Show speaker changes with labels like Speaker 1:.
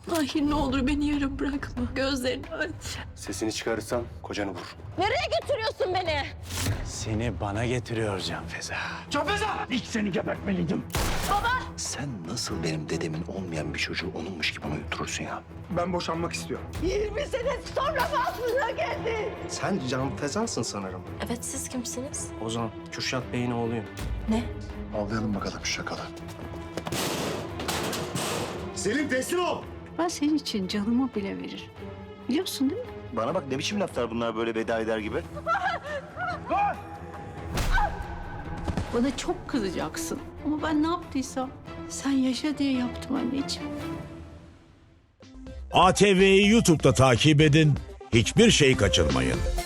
Speaker 1: Mahir ne olur beni yarım bırakma. Gözlerini aç.
Speaker 2: Sesini çıkarırsan kocanı vur.
Speaker 1: Nereye götürüyorsun beni?
Speaker 3: Seni bana getiriyor Canfeza.
Speaker 4: İlk seni gebertmeliydim.
Speaker 2: Sen nasıl benim dedemin olmayan bir çocuğu onunmuş gibi uyuturursun ya?
Speaker 4: Ben boşanmak istiyorum.
Speaker 1: 20 sene sonra mı aklına geldi?
Speaker 2: Sen Can Fezansın sanırım.
Speaker 1: Evet, siz kimsiniz?
Speaker 2: Ozan, Kürşat Bey'in oğluyum.
Speaker 1: Ne?
Speaker 2: Avlayalım bakalım şu şakalı. Selim teslim ol!
Speaker 5: Ben senin için canımı bile veririm. Biliyorsun değil mi?
Speaker 2: Bana bak ne biçim laflar bunlar böyle veda eder gibi.
Speaker 5: Bana çok kızacaksın. Ama ben ne yaptıysam sen yaşa diye yaptım anneciğim.
Speaker 6: ATV'yi YouTube'da takip edin, hiçbir şey kaçırmayın.